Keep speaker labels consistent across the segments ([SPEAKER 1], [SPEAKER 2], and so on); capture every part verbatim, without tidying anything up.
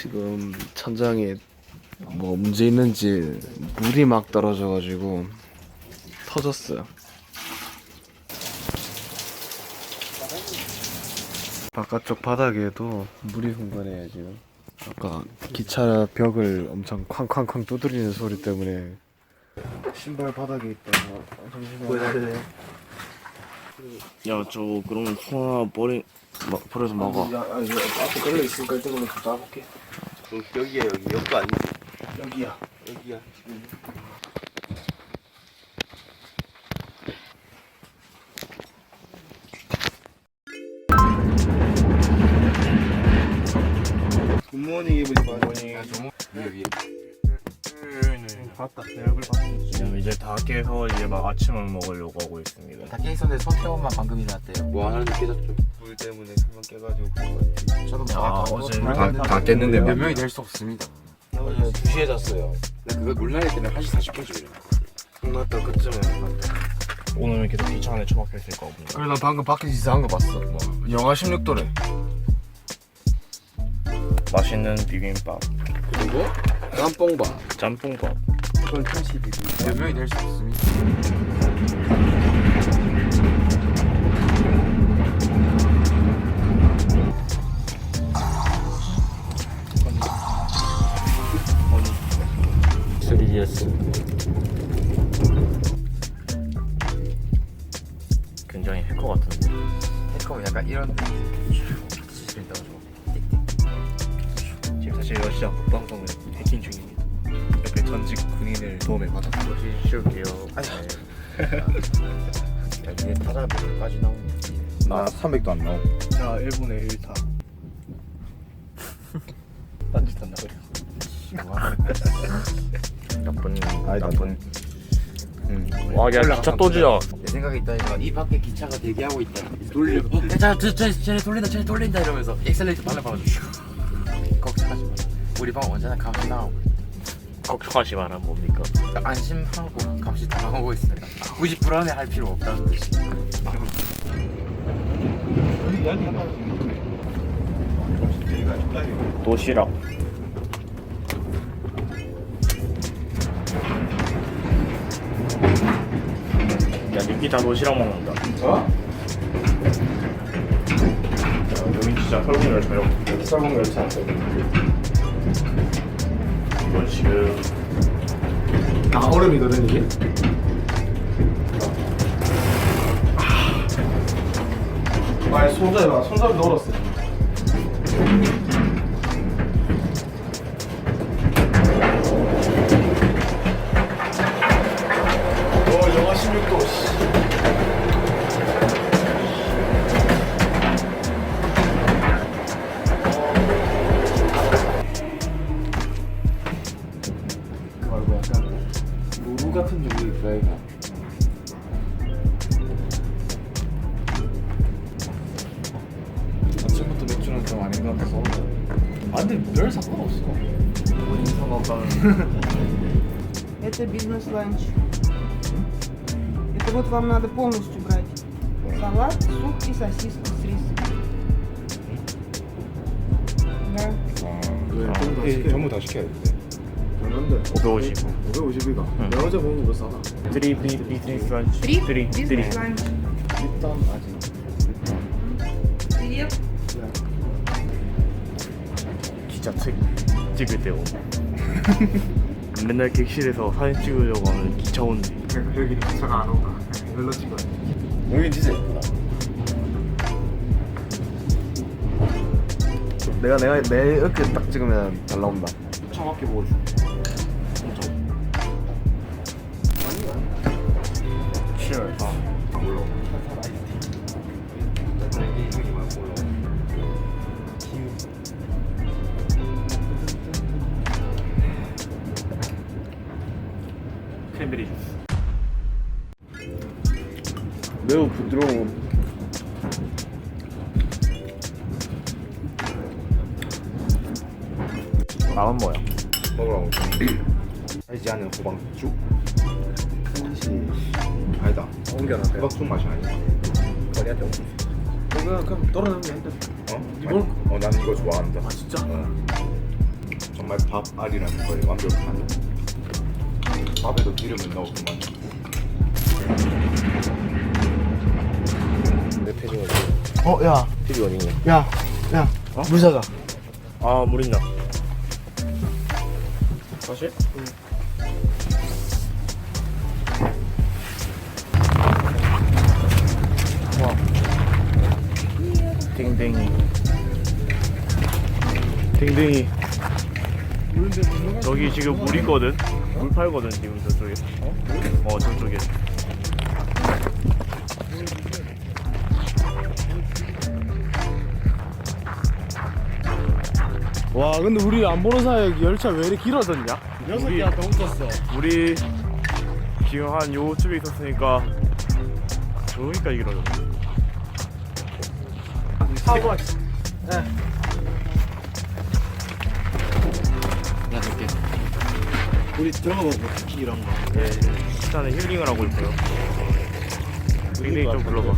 [SPEAKER 1] 지금 천장에 뭐 문제 있는지 물이 막 떨어져가지고 터졌어요. 바깥쪽 바닥에도 물이 흥건해요 지금. 아까 기차 벽을 엄청 쾅쾅쾅 두드리는 소리 때문에 신발 바닥에 있다가 잠시만. 야, 저 그러면 소 하나 버리 마, 버려서 먹어.
[SPEAKER 2] 야, 아, 이거 앞에 걸려 있으니까 일단 그럼 좀 따볼게.
[SPEAKER 3] 여기야 여기 여기 아니지?
[SPEAKER 2] 여기야.
[SPEAKER 3] 여기야 지금. 굿모닝 이브리바디. 굿모닝.
[SPEAKER 2] 위에 위에.
[SPEAKER 1] 봤다. 내 얼굴 봤다. 지금 이제 다 깨서 이제 막 아침을 먹으려고 하고 있습니다.
[SPEAKER 2] 다 깨있었는데 손태원만 방금 일어났대요.
[SPEAKER 3] 뭐 하나 깨졌죠? 물 때문에 금방 깨가지고 그런 것 같아.
[SPEAKER 2] 저도
[SPEAKER 1] 아, 어제
[SPEAKER 2] 다,
[SPEAKER 1] 다 깼는데
[SPEAKER 2] 몇 명이 될 수 없습니다.
[SPEAKER 3] 어제 두 시에 잤어요. 나 그거 물날릴 때는 한 시 사십 분쯤 일어나.
[SPEAKER 1] 끝났다 그쯤에. 오늘은 계속 기차 안에 처박혀 있을 거고.
[SPEAKER 2] 그래 나 방금 밖에서 이상한 거 봤어. 뭐 영하 십육 도래.
[SPEAKER 1] 맛있는 비빔밥,
[SPEAKER 3] 그리고 짬뽕밥.
[SPEAKER 1] 짬뽕밥.
[SPEAKER 3] 그건 천십이.
[SPEAKER 2] 몇 명이 될 수 없습니다.
[SPEAKER 1] 쓰리디에스. 굉장히 해커 같은데.
[SPEAKER 2] 해커 약간 이런 지린다고 좀.
[SPEAKER 1] 지금 사실 러시아 국방성을 해킹 중입니다. 옆에 전직 군인을 도움에 받아서 다시 씌울게요.
[SPEAKER 2] 야 위에 타자 몇까지 나오냐.
[SPEAKER 3] 나 삼백도 안 나오고.
[SPEAKER 1] 자, 일본의 일 타. 딴짓한다 그래. 나쁜
[SPEAKER 3] 아니다.
[SPEAKER 1] 나쁜. 음. 와, 야 기차 또 지어.
[SPEAKER 2] 내 생각에 있다니까 이 밖에 기차가 대기하고 있다. 돌려. 어, 자, 저, 저, 쟤네 돌린다, 쟤네 돌린다 이러면서 엑셀레이터 발라봐가지고 걱정하지 마. 우리 방 언제나 감시 나오고
[SPEAKER 1] 걱정하지 마라. 뭡니까?
[SPEAKER 2] 안심하고 감시 당하고 있습니다. 굳이 불안해할 필요 없다는 뜻이.
[SPEAKER 1] 도시락. 야, 니키 다 도시락 먹는다.
[SPEAKER 3] 어?
[SPEAKER 1] 야, 여기 진짜 설국 열차요.
[SPEAKER 3] 설국 열차.
[SPEAKER 1] 이건 지금
[SPEAKER 3] 아 얼음이거든 이게. 아, 손잡이 봐. 손잡이 넣었어. 어, 영하 십육 도. 씨. 그 말고 약간 노루 같은 종류 있다 이거.
[SPEAKER 2] 아침부터 맥주는 좀 아닌 것 같아서.
[SPEAKER 3] 아 근데 별 상관없어.
[SPEAKER 2] 본인 상관없다는.
[SPEAKER 4] Это бизнес-ланч. Это вот вам надо полностью брать. Салат, суп и сосиска с рисом. Да.
[SPEAKER 3] 왜? 전부 다
[SPEAKER 2] 예,
[SPEAKER 3] 시켜.
[SPEAKER 2] 전부 다 시켜야 돼.
[SPEAKER 3] 얼마인데?
[SPEAKER 1] 오백오십.
[SPEAKER 3] 오백오십이가.
[SPEAKER 1] 응.
[SPEAKER 3] 내가 어제 먹은 거 싸다.
[SPEAKER 1] 쓰리 비 비즈니스 런치.
[SPEAKER 4] Три
[SPEAKER 1] 쓰리 쓰리.
[SPEAKER 4] бизнес-ланч.
[SPEAKER 3] 일단 아직.
[SPEAKER 4] Хлеб.
[SPEAKER 1] 기차 책 찍을 때 오고. 맨날 객실에서 사진 찍으려고 하면 기차 온대.
[SPEAKER 2] 그래서 여기는 기차가 안 오다. 이걸로 찍어야 돼.
[SPEAKER 3] 여기 진짜 예쁘다.
[SPEAKER 1] 내가 내가 내 이렇게 딱 찍으면 잘 나온다.
[SPEAKER 3] 정확히 보고 줘.
[SPEAKER 1] Cheers.
[SPEAKER 3] 아, 몰라.
[SPEAKER 1] 크랜베리 주스. 매우 부드러운. 맛은 뭐야?
[SPEAKER 3] 먹으라고. 달지 않은 호박죽? 혹시 아니다.
[SPEAKER 1] 옮겨놨대.
[SPEAKER 3] 호박죽 맛이 아니야.
[SPEAKER 1] 거리한테 옮겨.
[SPEAKER 3] 이거 그럼 떨어내면 돼. 어? 어? 난 이거 좋아한다.
[SPEAKER 1] 아 진짜?
[SPEAKER 3] 어. 정말 밥 알이라는 거에 완벽한. 밥에도 기름을 넣었구만.
[SPEAKER 1] 내 패딩 어디?
[SPEAKER 5] 어, 야,
[SPEAKER 1] 필이 어디냐?
[SPEAKER 5] 야, 야,
[SPEAKER 1] 어?
[SPEAKER 5] 물 사자.
[SPEAKER 1] 아, 물 있나? 사실? 와. 댕댕이. 댕댕이. 저기 지금 물 있거든? 물 팔거든, 지금 저쪽에. 어? 어, 저쪽에.
[SPEAKER 5] 와, 근데 우리 안 보는 사이에 열차 왜 이렇게 길어졌냐? 여섯
[SPEAKER 1] 우리-
[SPEAKER 5] 개가 더 훔쳤어.
[SPEAKER 1] 우리 지금 한 요쯤에 있었으니까 저기까지 길어졌네.
[SPEAKER 5] 사고.
[SPEAKER 2] 나 줄게.
[SPEAKER 5] 우리 들어가보고 특히 이런 거.
[SPEAKER 1] 네, 일단은 힐링을 하고 있고요. 댕댕이 좀 불러봐.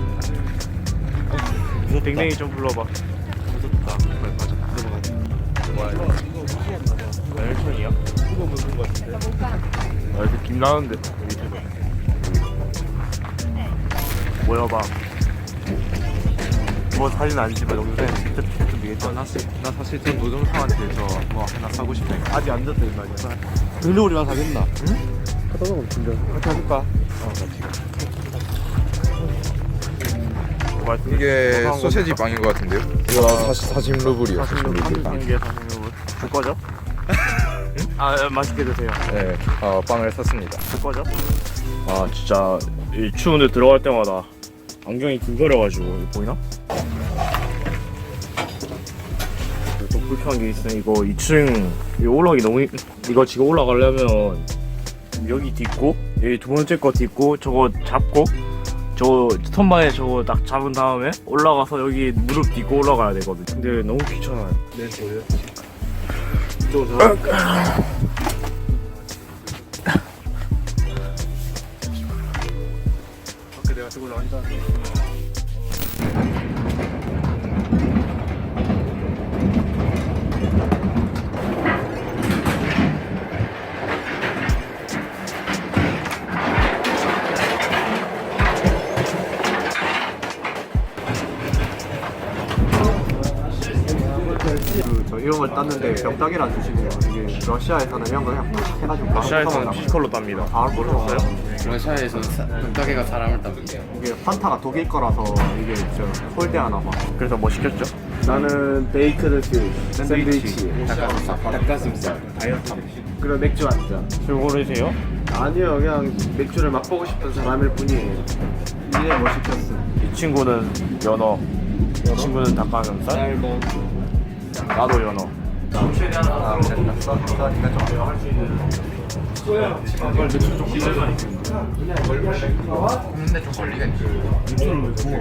[SPEAKER 1] 댕댕이 좀 불러봐. 무섭다. 빨리 가자. 뭐야 이거? 나 헬천이야?
[SPEAKER 5] 그거 먹는 거 같은데.
[SPEAKER 1] 아 이거 김 나는데 밑에서. 모여봐. 뭐 사진 안 찍어 영상 진짜 좀 되겠다.
[SPEAKER 3] 나, 나 사실 전 노동상한테 저 뭐 하나 사고 싶다.
[SPEAKER 5] 아직 안 졌다 이 말이야. 근데 우리랑 사겠나? 응?
[SPEAKER 1] 하다 보면 진짜.
[SPEAKER 5] 같이 해줄까?
[SPEAKER 1] 어 같이.
[SPEAKER 3] 이게 소세지 빵인 것 같은데요? 이거 사십 루블이요.
[SPEAKER 1] 사십 루블 삼십 개 사십 루블. 줄 거죠? 아 예, 맛있게 드세요.
[SPEAKER 3] 네, 어, 빵을 샀습니다.
[SPEAKER 1] 줄 거죠? 아 진짜 이 추운데 들어갈 때마다 안경이 긁어려가지고 이거 보이나? 또 불편한 게 있어. 이거 이 층 이거 올라가기 너무 힘- 이거 지금 올라가려면 여기 딛고 여기 두 번째 거 딛고 저거 잡고 저 스턴바에 저거 딱 잡은 다음에 올라가서 여기 무릎 딛고 올라가야 되거든. 근데 너무 귀찮아요.
[SPEAKER 5] 내 소리야. 이쪽으로 들어가. 밖에 내가 들고 나간다.
[SPEAKER 6] 저 이런 걸 땄는데 병따개를 주시네요. 이게 러시아에서는 이런 거 그냥 팍 해가지고 바로
[SPEAKER 1] 러시아에서는
[SPEAKER 6] 뜯어먹나
[SPEAKER 1] 피지컬로 땁니다.
[SPEAKER 6] 아, 모르셨어요?
[SPEAKER 2] 러시아에서 병따개가 사람을 땁니다.
[SPEAKER 6] 이게 판타가 독일 거라서 이게 저 홀대하나 봐.
[SPEAKER 1] 그래서 뭐 시켰죠?
[SPEAKER 5] 나는 베이크드 퓨 샌드위치,
[SPEAKER 2] 닭가슴살.
[SPEAKER 5] 그리고 맥주 한 잔.
[SPEAKER 1] 술 고르세요?
[SPEAKER 5] 아니요, 그냥 맥주를 맛보고 싶은 사람일 뿐이에요.
[SPEAKER 6] 이제 뭐 시켰어?
[SPEAKER 1] 이 친구는 연어, 이 친구는 닭가슴살, 나도 연어.
[SPEAKER 6] 아, 됐다. 써, 써, 니가 좀 할수 있는.
[SPEAKER 2] 근데 좀 걸리가 있죠.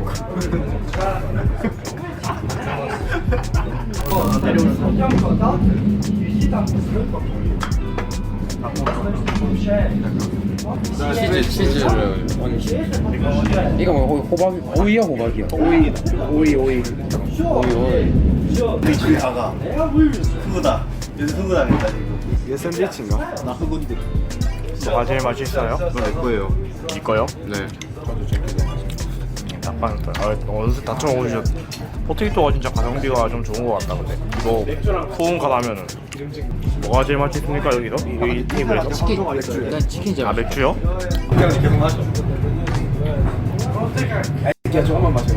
[SPEAKER 2] 치즈 치즈를 이거 뭐 호박 오이야 호박이야
[SPEAKER 5] 오이, 오이, 오이.
[SPEAKER 2] 오이 오이
[SPEAKER 5] 우리 집에 가가. 흑우다. 요새 흑우다 된다 지금.
[SPEAKER 6] 이게 샌드위치인가?
[SPEAKER 5] 나 흑우인데.
[SPEAKER 1] 뭐가 제일 맛있어요?
[SPEAKER 6] 이거 내 거예요.
[SPEAKER 1] 이 거요?
[SPEAKER 3] 네.
[SPEAKER 1] 닭가슴살. 아, 어느새 다 처먹으셨. 포테이토가 진짜 가성비가 좀 좋은 것 같다 근데. 이거 소음가 나면은 뭐가 제일 맛있습니까 여기서? 이, 이 테이블에서?
[SPEAKER 2] 치킨 난 치킨
[SPEAKER 1] 아
[SPEAKER 2] 잡아
[SPEAKER 1] 맥주요?
[SPEAKER 5] 그냥 계속 마셔. 야, 조금만 마셔.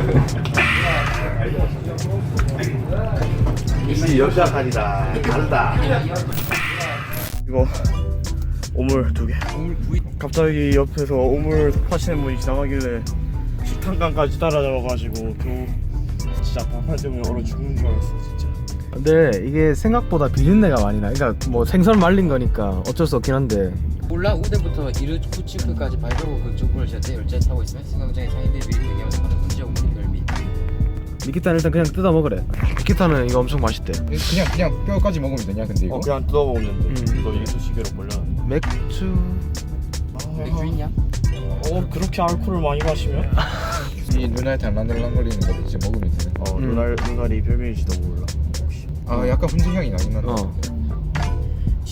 [SPEAKER 5] 이 역사판이다. 다르다.
[SPEAKER 1] 이거 오물 두 개. 갑자기 옆에서 오물 파시는 분이 지나가길래 식탐감까지 따라잡아가지고 겨우 진짜 반팔 때문에 얼어 죽는 줄 알았어 진짜.
[SPEAKER 5] 근데 이게 생각보다 비린내가 많이 나. 그러니까 뭐 생선 말린 거니까 어쩔 수 없긴 한데.
[SPEAKER 2] 울란 우대부터 이르쿠츠크까지 발표고 그쪽을 제때 열차에 타고 있으면 승강장에 상인들이 미리 대기하면서 받은 문제 오는 열미.
[SPEAKER 5] 니키타는 일단 그냥 뜯어 먹으래. 니키타는 이거 엄청 맛있대.
[SPEAKER 3] 그냥 그냥 뼈까지 먹으면 되냐 근데 이거?
[SPEAKER 1] 어 그냥 뜯어먹는데
[SPEAKER 5] 음.
[SPEAKER 1] 이거 이쑤시개로 몰려.
[SPEAKER 5] 맥주.
[SPEAKER 2] 맥주 있냐?
[SPEAKER 1] 어 그렇게 알코올을 많이 마시면?
[SPEAKER 3] 이 눈알 달랑달랑거리는 거 이제 먹으면 되네.
[SPEAKER 1] 어
[SPEAKER 5] 음.
[SPEAKER 1] 눈알 눈알이 별명일지도 몰라. 혹시.
[SPEAKER 3] 아 약간 훈제 향이 나긴 한다.
[SPEAKER 5] 어.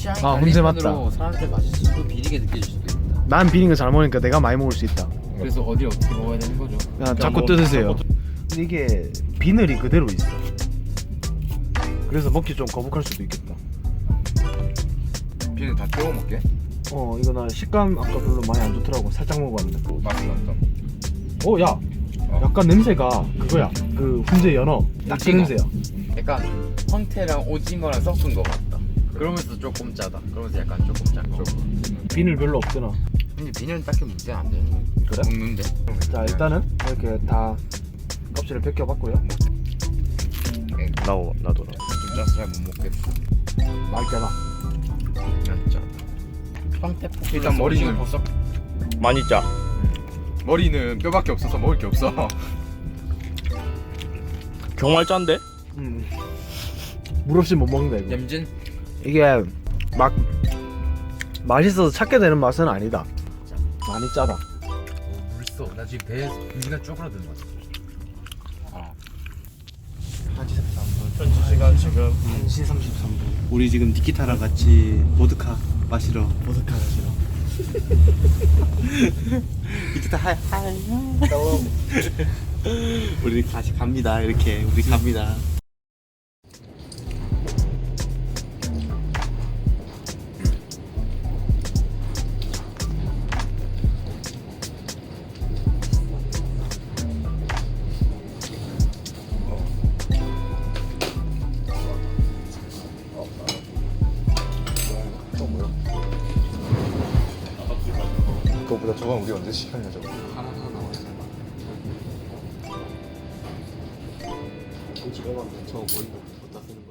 [SPEAKER 2] 취향이
[SPEAKER 5] 아,
[SPEAKER 2] 갈린
[SPEAKER 5] 혼자
[SPEAKER 2] 편으로
[SPEAKER 5] 맞다.
[SPEAKER 2] 사람들 맛이 또 비리게 느껴질 수도 있다.
[SPEAKER 5] 난 비린 거 잘 먹으니까 내가 많이 먹을 수 있다.
[SPEAKER 2] 그래서 어디 어떻게 먹어야 되는 거죠?
[SPEAKER 5] 그냥 자꾸 뜯으세요. 근데 이게 비늘이 그대로 있어. 그래서 먹기 좀 거북할 수도 있겠다.
[SPEAKER 3] 비는 다 떼워 먹게?
[SPEAKER 5] 어 이거 나 식감 아까 별로 많이 안 좋더라고. 살짝 먹어봤는데.
[SPEAKER 3] 맛은 어떤?
[SPEAKER 5] 어 야, 약간 냄새가 그거야. 그 훈제 연어 딱 그
[SPEAKER 2] 오징어.
[SPEAKER 5] 냄새야.
[SPEAKER 2] 약간 황태랑 오징어랑 섞은 거 같다. 그러면서 조금 짜다. 그러면서 약간 조금 짠거.
[SPEAKER 5] 비늘 별로 없더나.
[SPEAKER 2] 근데 비닐은 딱히 문제 안 되는 거.
[SPEAKER 5] 그래?
[SPEAKER 2] 먹는데.
[SPEAKER 5] 자 일단은 이렇게 다 껍질을 벗겨봤고요.
[SPEAKER 1] 나도 나도 나.
[SPEAKER 3] 좀 짜서 잘 못 먹겠어.
[SPEAKER 5] 맛있잖아.
[SPEAKER 2] 안 짜다. 황태 포.
[SPEAKER 3] 일단 머리는
[SPEAKER 2] 버섯.
[SPEAKER 1] 많이 짜.
[SPEAKER 3] 머리는 뼈밖에 없어서 먹을 게 없어.
[SPEAKER 1] 정말 짠데?
[SPEAKER 5] 음. 물 없이 못 먹는다 이거.
[SPEAKER 2] 냄진.
[SPEAKER 5] 이게 막 맛있어서 찾게 되는 맛은 아니다. 많이 짜다.
[SPEAKER 2] 물써. 나 지금 배에서 유지가 쪼그라드는 거 같아.
[SPEAKER 1] 현지 시간 지금
[SPEAKER 5] 한 시 삼십삼 분.
[SPEAKER 6] 우리 지금 니키타랑 같이 보드카 마시러
[SPEAKER 5] 보드카 마시러.
[SPEAKER 6] 니키타 하이 하이 우리 다시 갑니다. 이렇게 우리 갑니다.
[SPEAKER 3] 그거보다 저건 우리 언제 시켰냐 저거.
[SPEAKER 6] 하나 하나 나와서 솔직히 저거 보이고 어디다 쓰는 거야?